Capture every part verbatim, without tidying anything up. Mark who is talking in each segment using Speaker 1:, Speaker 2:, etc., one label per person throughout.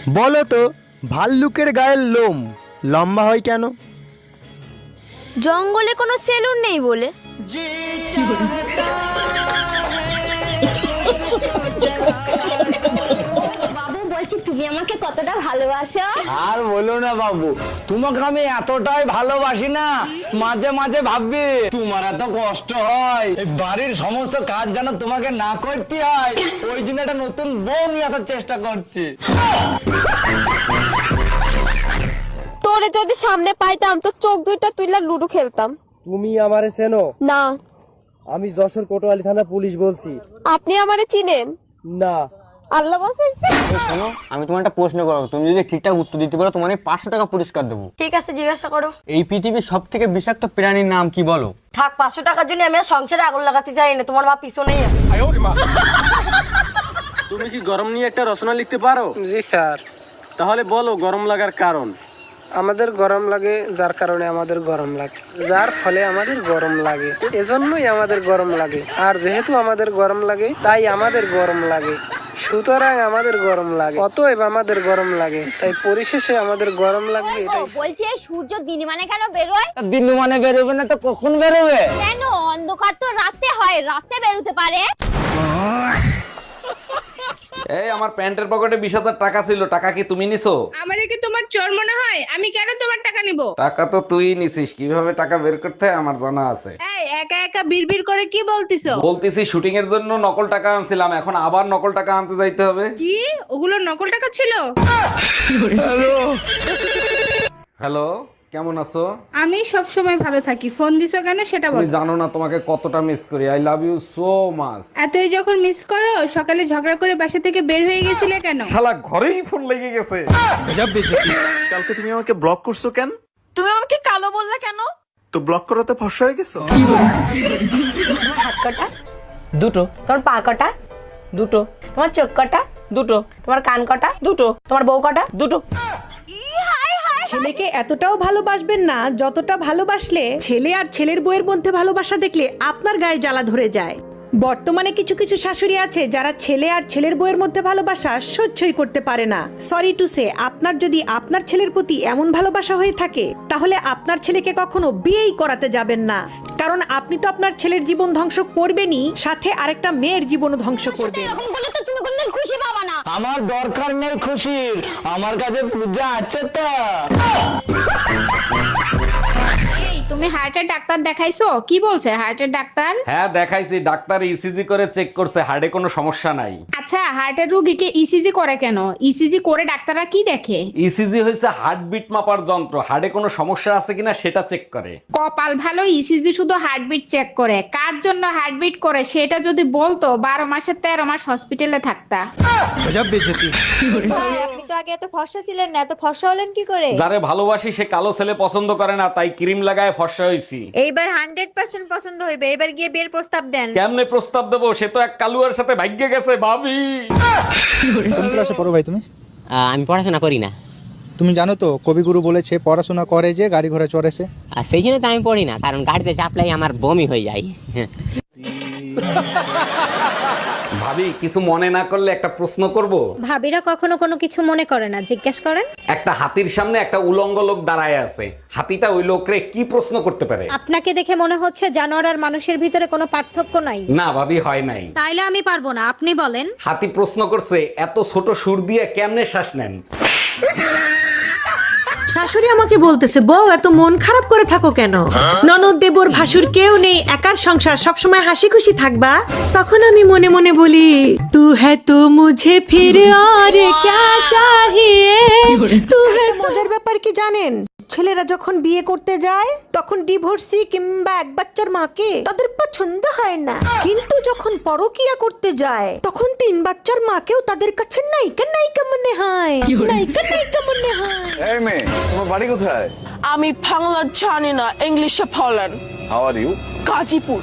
Speaker 1: বলো তো ভাল্লুকের গায়ের লোম লম্বা হয় কেন?
Speaker 2: জঙ্গলে কোনো সেলুন নেই বলে।
Speaker 3: বাবু বলছি তুমি আমাকে কতটা ভালোবাসো?
Speaker 4: আর বলো না বাবু, তোমাকে আমি এতটাই ভালোবাসি না, মাঝে মাঝে ভাববি তোমার এত কষ্ট হয়, এই বাড়ির সমস্ত কাজ যেন তোমাকে না করতে হয়, ওই জন্য একটা নতুন বউ নিয়ে আসার চেষ্টা করছি।
Speaker 2: তোরে যদি সামনে পাইতাম তো চোখ দুইটা তুইলা লুডো খেলতাম।
Speaker 1: তুমি আমারে চেনো?
Speaker 2: না।
Speaker 1: আমি যশোর কোতোয়ালি থানা পুলিশ বলছি।
Speaker 2: আপনি আমারে চিনেন
Speaker 1: না।
Speaker 2: আল্লাহ বাঁচাইছে।
Speaker 5: শোনো, আমি তোমার একটা প্রশ্ন করবো, তুমি যদি ঠিকঠাক উত্তর দিতে পারো তোমার পাঁচশো টাকা পুরস্কার দেবো।
Speaker 2: ঠিক আছে, জিজ্ঞাসা করো।
Speaker 5: এই পৃথিবীর সব থেকে বিষাক্ত প্রাণীর নাম কি বলো?
Speaker 2: থাক, পাঁচশো টাকার জন্য আমি আর সংসারে আগুন লাগাতে চাই না। তোমার মা পিছনেই আছে।
Speaker 6: তুমি কি গরম নিয়ে একটা রচনা লিখতে পারো?
Speaker 7: জি স্যার।
Speaker 6: তাহলে বলো গরম লাগার কারণ।
Speaker 7: আমাদের গরম লাগে যার কারণে আমাদের গরম লাগে, যার ফলে আমাদের গরম লাগে, এজন্যই আমাদের গরম লাগে। আর যেহেতু আমাদের গরম লাগে তাই আমাদের গরম লাগে, সুতরাং আমাদের গরম লাগে, অতএব আমাদের গরম লাগে, তাই পরিশেষে আমাদের গরম লাগবে। এটাই
Speaker 3: বলছি এই সূর্য দিন মানে কেন বেরোয়?
Speaker 4: দিন মানে বেরোবে না তো কখন বেরোবে?
Speaker 3: কেন? অন্ধকার তো রাতে হয়, রাতে বেরোতে পারে।
Speaker 8: এই আমার প্যান্টের পকেটে বিশ হাজার টাকা ছিল, টাকা কি তুমি নিছো?
Speaker 9: আমারে কি তোমার চোর মনে হয়? আমি কেন তোমার টাকা নিব?
Speaker 8: টাকা তো তুই নিছিস, কিভাবে টাকা বের করতে হয় আমার জানা আছে।
Speaker 9: এই একা একা বিড়বিড় করে কি বলতিছো?
Speaker 8: বলতেছি শুটিং এর জন্য নকল টাকা আনছিলাম, এখন আবার নকল টাকা আনতে যাইতে হবে।
Speaker 9: কি ওগুলো নকল টাকা ছিল?
Speaker 8: হ্যালো, কেমন আছো?
Speaker 9: আমি সব সময় ভালো থাকি, ফোন দিছো কেন সেটা
Speaker 8: তুমি
Speaker 9: বলো।
Speaker 8: জানো না তোমাকে কতটা মিস করি, I love you so much.
Speaker 9: এতই যখন মিস করো, সকালে ঝগড়া করে বাসা থেকে বের হয়ে গেছিলে কেন?
Speaker 8: শালা ঘরেই ফোন লেগে গেছে।
Speaker 10: কালকে তুমি আমাকে ব্লক করছো কেন?
Speaker 2: তুমি আমাকে কালো বললা কেন?
Speaker 10: তো ব্লক করাতে ফর্সা হয়ে গেছো?
Speaker 2: তোমার হাত কটা? দুটো। তোমার পা কটা? দুটো। তোমার চোখ কটা? দুটো। তোমার কান কটা? দুটো। তোমার বউ কটা? দুটো।
Speaker 11: ছেলেকে এতটাও ভালোবাসবেন না যতটা ভালোবাসলে ছেলে আর ছেলের বউয়ের মধ্যে ভালোবাসা দেখলে আপনার গায়ে জ্বালা ধরে যায়। বর্তমানে কিছু কিছু শাশুড়ি আছে যারা ছেলে আর ছেলের বউয়ের মধ্যে ভালোবাসা সহ্যই করতে পারে না। সরি টু সে, আপনার যদি আপনার ছেলের প্রতি এমন ভালোবাসা হয়ে থাকে তাহলে আপনার ছেলেকে কখনো বিয়েই করাতে যাবেন না, কারণ আপনি তো আপনার ছেলের জীবন ধ্বংস করবেনই, সাথে আরেকটা মেয়ের জীবনও ধ্বংস করবেন।
Speaker 3: এরকম বলে তো তুমি কোনদিন খুশি পাবা না।
Speaker 4: আমার দরকার নেই খুশির, আমার কাছে পূজা আছে তো।
Speaker 9: তুমি হার্টের ডাক্তার দেখাইছো? কি বলছে হার্টের ডাক্তার?
Speaker 8: হ্যাঁ দেখাইছি, ডাক্তার ইসিজি করে চেক করছে, হার্টে কোনো সমস্যা নাই।
Speaker 9: আচ্ছা, হার্টের রোগীকে ইসিজি করে কেন? ইসিজি করে ডাক্তাররা কি দেখে?
Speaker 8: ইসিজি হয়েছে হার্টবিট মাপার যন্ত্র, হার্টে কোনো সমস্যা আছে কিনা সেটা চেক করে।
Speaker 9: কপাল ভালো, ইসিজি শুধু হার্টবিট চেক করে। কার জন্য হার্টবিট করে সেটা যদি বলতো, বারো মাসে তেরো মাস হসপিটালে থাকতা।
Speaker 2: আপনি তো আগে এত ফর্সা ছিলেন না, এত ফর্সা হলেন কি করে?
Speaker 8: যারে ভালোবাসি সে কালো ছেলে পছন্দ করে না, তাই ক্রিম লাগায় ফর্সা হইছি।
Speaker 2: এইবার হান্ড্রেড পার্সেন্ট পছন্দ হইবে। এবার গিয়ে বিয়ের প্রস্তাব দেন।
Speaker 8: কেমনে প্রস্তাব দেবো? সে তো এক কালুয়ার সাথে ভাগ্যে গেছে ভাবি।
Speaker 1: কোন ক্লাসে পড়ো ভাই তুমি?
Speaker 5: আমি পড়াশোনা করি না।
Speaker 1: তুমি জানো তো কবিগুরু বলেছে পড়াশোনা করে যে গাড়ি ঘোড়া চড়েছে।
Speaker 5: আর সেই জন্য তো আমি পড়ি না, কারণ গাড়িতে চাপলাই আমার বমি হয়ে যায়।
Speaker 8: ভাবি কিছু মনে না করলে একটা প্রশ্ন করব?
Speaker 3: ভাবিরা কখনো কোনো কিছু মনে করে না, জিজ্ঞেস করেন।
Speaker 8: একটা হাতির সামনে একটা উলঙ্গ লোক দাঁড়ায় আছে, হাতিটা ওই লোকরে কি প্রশ্ন করতে পারে?
Speaker 3: আপনাকে দেখে মনে হচ্ছে জানোয়ার আর মানুষের ভিতরে কোনো পার্থক্য নাই।
Speaker 8: না ভাবি, হয় নাই।
Speaker 3: তাইলে আমি পারবো না, আপনি বলেন।
Speaker 8: হাতি প্রশ্ন করছে এত ছোট সুর দিয়ে কেমনে শ্বাস নেন?
Speaker 11: শাশুড়ি আমাকে বলতেছে, বউ এত মন খারাপ করে থাকো কেন? ননদ দেবর ভাসুর কেউ নেই, একার সংসার, সবসময় হাসি খুশি থাকবা। তখন আমি মনে মনে বলি, তু হ্যায় তো মুঝে ফির আর ক্যা চাহিয়ে তু হ্যায়। মজার ব্যাপার কি জানেন, ছেলেরা যখন বিয়ে করতে যায় তখন ডিভোর্সি কিংবা এক বাচ্চার মাকে তাদের পছন্দ হয় না, কিন্তু যখন পরকিয়া করতে যায় তখন তিন বাচ্চার মাকেও তাদের কাছে নায়িকা নায়িকা মনে হয়, নায়িকা নায়িকা মনে হয়।
Speaker 10: এই মেয়ে, তোমার বাড়ি কোথায়?
Speaker 2: আমি বাংলা জানি না, ইংলিশে বলেন।
Speaker 10: How are you?
Speaker 2: গাজীপুর।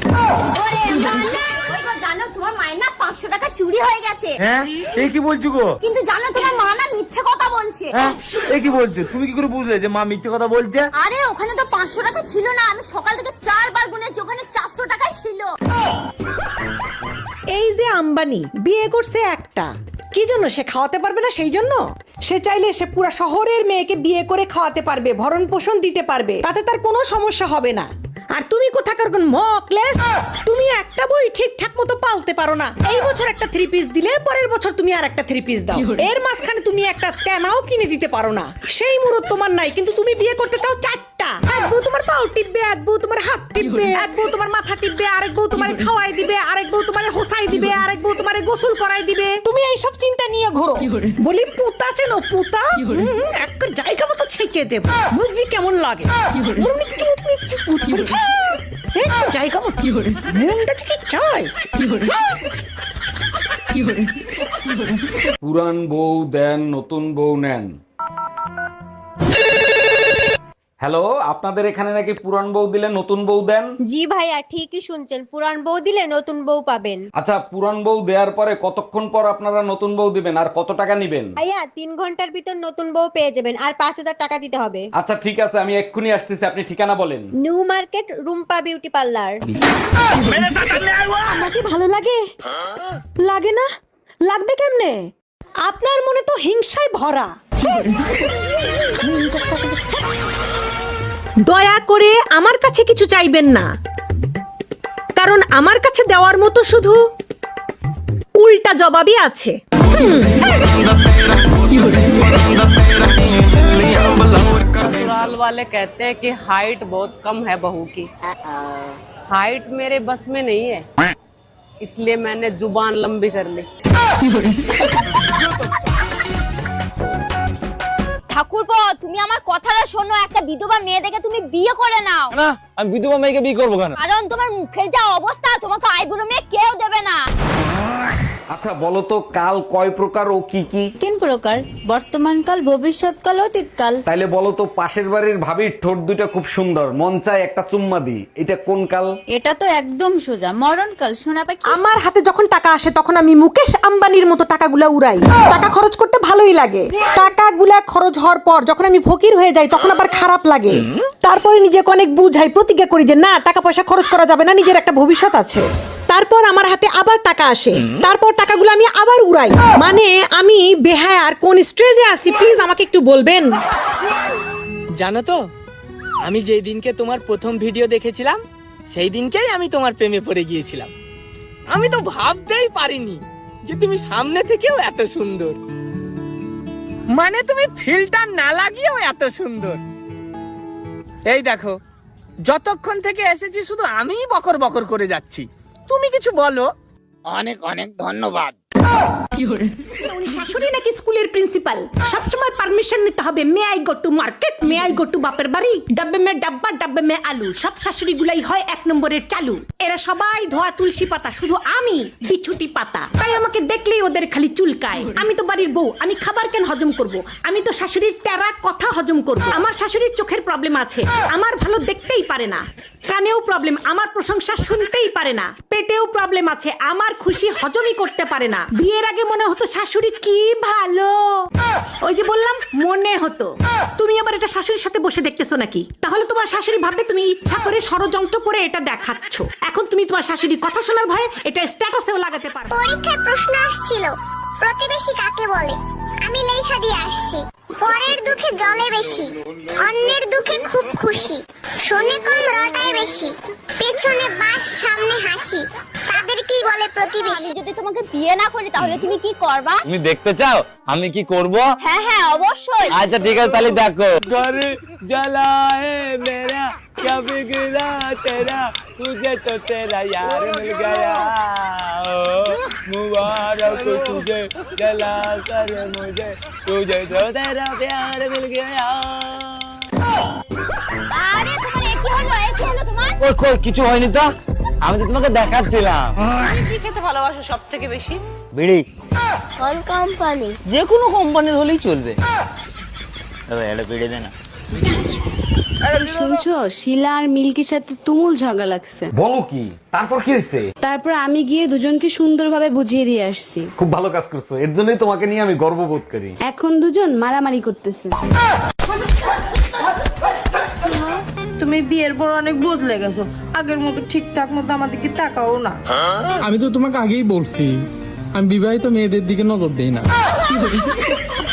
Speaker 3: জানো তোমার মায়ের না পাঁচশো টাকা চুরি হয়ে গেছে।
Speaker 4: হ্যাঁ, এই কি বলছো গো?
Speaker 3: কিন্তু জানো তোমার মা না মিথ্যে কথা বলছে।
Speaker 4: হ্যাঁ, এই কি বলছো? তুমি কি করে বুঝলে যে মা মিথ্যে কথা বলছে?
Speaker 3: আরে ওখানে তো পাঁচশো টাকা ছিল না, আমি সকাল থেকে চারবার গুনেছি, ওখানে চারশো টাকাই ছিল।
Speaker 11: এই যে আম্বানি বিয়ে করছে একটা, কি জন্য? সে খাওয়াতে পারবে না সেই জন্য? সে চাইলে সে পুরো শহরের মেয়েকে বিয়ে করে খাওয়াতে পারবে, ভরণ পোষণ দিতে পারবে, তাতে তার কোনো সমস্যা হবে না। আর তুমি কোথাকার কোন মকলেস, তুমি একটা বই ঠিকঠাক মতো পালতে পারো না। এই বছর একটা থ্রি পিস দিলে পরের বছর তুমি আর একটা থ্রি পিস দাও, এর মাঝখানে তুমি একটা তেনাও কিনে দিতে পারো না। সেই মুরত তোমার নাই, কিন্তু তুমি বিয়ে করতে চাও চারটা। এক বউ তোমার পাও টিপবে, এক বউ তোমার হাত টিপবে, এক বউ তোমার মাথা টিপবে, আরেক বউ তোমার খাওয়াই দিবে, আরেক বউ তোমার হোসাই দিবে, আরেক বউ তোমার গোসল করাই দিবে। তুমি এইসব চিন্তা নিয়ে ঘোরো। বলি পুতা চেনো? পুতা এক জায়গা মতো ছেঁচে দেব, বুঝবি কেমন লাগে? জায়গা মতো মনটা কি চাই?
Speaker 8: পুরান বউ দেন, নতুন বউ নেন। হ্যালো, আপনাদের এখানে নাকি পুরান বউ দিলে নতুন বউ দেন?
Speaker 3: জি ভাইয়া, ঠিকই শুনছেন, পুরান বউ দিলে নতুন বউ পাবেন।
Speaker 8: আচ্ছা, পুরান বউ দেওয়ার পরে কতক্ষণ পর আপনারা নতুন বউ দিবেন আর কত টাকা নিবেন?
Speaker 3: ভাইয়া তিন ঘন্টার ভিতর নতুন বউ পেয়ে যাবেন, আর পাঁচ হাজার টাকা দিতে হবে।
Speaker 8: আচ্ছা ঠিক আছে, আমি এক্ষুনি আসতেছি, আপনি ঠিকানা বলেন।
Speaker 3: New market, Rumpa beauty parlour.
Speaker 11: আমাকে ভালো লাগে? লাগে না? লাগবে কেমনে? আপনার মনে তো হিংসায় ভরা। দয়া করে আমার কাছে কিছু চাইবেন না, কারণ আমার কাছে দেওয়ার মতো শুধু উল্টা জবাবই আছে।
Speaker 2: ससुराल वाले कहते हैं कि हाइट बहुत कम है बहू की। हाइट मेरे बस में नहीं है, इसलिए मैंने जुबान लंबी कर ली।
Speaker 3: ঠাকুরপো, তুমি আমার কথাটা শোনো, একটা বিধবা মেয়ে দেখে তুমি বিয়ে করে নাও।
Speaker 5: না, আমি বিধবা মেয়েকে বিয়ে করবো কেন?
Speaker 3: কারণ তোমার মুখের যা অবস্থা, তোমাকে আইবুড়ো মেয়ে কেউ দেবে না।
Speaker 8: আচ্ছা বলো তো, কাল কয় প্রকার ও কি কি?
Speaker 3: তিন প্রকার, বর্তমান কাল, ভবিষ্যৎ কাল, অতীত কাল।
Speaker 8: তাইলে বলো তো, পাশের বাড়ির ভাবির ঠোঁট দুটো খুব সুন্দর, মন চায় একটা চুম্মা দি, এটা কোন কাল?
Speaker 3: এটা তো একদম সোজা, মরণ কাল। শোনা পাখি,
Speaker 11: আমার হাতে যখন টাকা আসে তখন আমি মুকেশ আম্বানির মতো টাকাগুলা উড়াই। টাকা খরচ করতে ভালোই লাগে, টাকাগুলা খরচ হওয়ার পর যখন আমি ফকির হয়ে যাই তখন আবার খারাপ লাগে। তারপরে নিজেকে অনেক বুঝাই, প্রতিজ্ঞা করি যে না, টাকা পয়সা খরচ করা যাবে না, নিজের একটা ভবিষ্যৎ আছে। তারপর আমার হাতে আবার টাকা আসে, তারপর টাকাগুলো আমি আবার উড়াই। মানে আমি বেহায় আর কোন স্ট্রেজে আছি প্লিজ আমাকে একটু বলবেন।
Speaker 7: জানো তো, আমি যেই দিনকে তোমার প্রথম ভিডিও দেখেছিলাম সেই দিনকেই আমি তোমার প্রেমে পড়ে গিয়েছিলাম। আমি তো ভাবতেই পারিনি যে তুমি সামনে থেকেও এত সুন্দর, মানে তুমি ফিল্টার না লাগিয়েও এত সুন্দর। এই দেখো, যতক্ষণ থেকে এসেছি শুধু আমিই বকর বকর করে যাচ্ছি, তুমি কিছু বলো। অনেক অনেক ধন্যবাদ।
Speaker 11: উনি শাশুড়ি নাকি স্কুলের প্রিন্সিপাল? সবসময় পারমিশন নিতে হবে। May I go to market, may I go to বাপের বাড়ি, ডাব্বে মে ডাব্বা, ডাব্বে মে আলু। সব শাশুড়ি গুলাই হয় এক নম্বরের চালু। এরা সবাই ধোয়া তুলসী পাতা, শুধু আমি বিছুটি পাতা। তাই আমাকে দেখলেই ওদের খালি চুলকায়। আমি তো বাড়ির বউ, আমি খাবার কেন হজম করব? আমি তো শাশুড়ির তেরা কথা হজম করব। আমার শাশুড়ির চোখের প্রবলেম আছে, আমার ভালো দেখতেই পারে না। কানেও প্রবলেম, আমার প্রশংসা শুনতেই পারে না। পেটেও প্রবলেম আছে, আমার খুশি হজমই করতে পারে না। বিয়ের আগে মনে হতো শাশুড়ি কি ভালো, ওই যে বললাম মনে হতো। তুমি আবার এটা শাশুড়ির সাথে বসে দেখতেছো নাকি? তাহলে তোমার শাশুড়ি ভাববে তুমি ইচ্ছা করে ষড়যন্ত্র করে এটা দেখাচ্ছ। এখন তুমি তোমার শাশুড়ি কথা শোনার ভয়ে এটা স্ট্যাটাসেও লাগাতে পারো।
Speaker 3: পরীক্ষায় প্রশ্ন আসছিল, প্রতিবেশী কাকে বলে? আমি লেখা দিয়ে আসছি, পরের দুঃখে জলে বেশি, অন্যের দুঃখে খুব খুশি, শোনে কম রটায় বেশি, পেছনে বাস সামনে হাসি, তাদেরকেই বলে প্রতিবেশী। যদি তোমাকে বিয়ে না করি তাহলে তুমি কি করবা?
Speaker 5: তুমি দেখতে চাও আমি কি করব?
Speaker 3: হ্যাঁ হ্যাঁ অবশ্যই।
Speaker 5: আচ্ছা ঠিক আছে, তাহলে দেখো।
Speaker 7: घर जला है मेरा, क्या बिगड़ा तेरा, तुझे तो तेरा यार मिल गया, ओ मुबारक तुझे जला कर मुझे, तुझे तो तेरा प्यार मिल गया।
Speaker 3: আরে তোমার কি হলো? এই কি হলো তোমার?
Speaker 5: ওই কই কিছু হয়নি তো, আমি তো তোমাকে দেখাচ্ছিলাম।
Speaker 2: তুমি কি খেতে ভালোবাসো সব থেকে বেশি?
Speaker 5: বিড়ি,
Speaker 3: কোন কোম্পানি?
Speaker 5: যে কোনো কোম্পানির হলেই চলবে। তবে এটা বিড়ি দে না।
Speaker 9: শুনছো, শিলা আর মিল্কির সাথে তুমুল ঝগড়া লাগছে।
Speaker 8: বলো কি? তারপর কি হয়েছে?
Speaker 9: তারপর আমি গিয়ে দুজনকে সুন্দরভাবে বুঝিয়ে দিয়ে আসছি।
Speaker 8: খুব ভালো কাজ করছো, এর জন্যই তোমাকে নিয়ে আমি গর্ববোধ করি।
Speaker 9: এখন দুজন মারামারি করতেছে।
Speaker 2: তুমি বিয়ের পর অনেক বদলে গেছো, আগের মতো ঠিকঠাক মতো আমাদেরকে তাকাও না।
Speaker 7: আমি তো তোমাকে আগেই বলছি আমি বিবাহিত মেয়েদের দিকে নজর দেই না।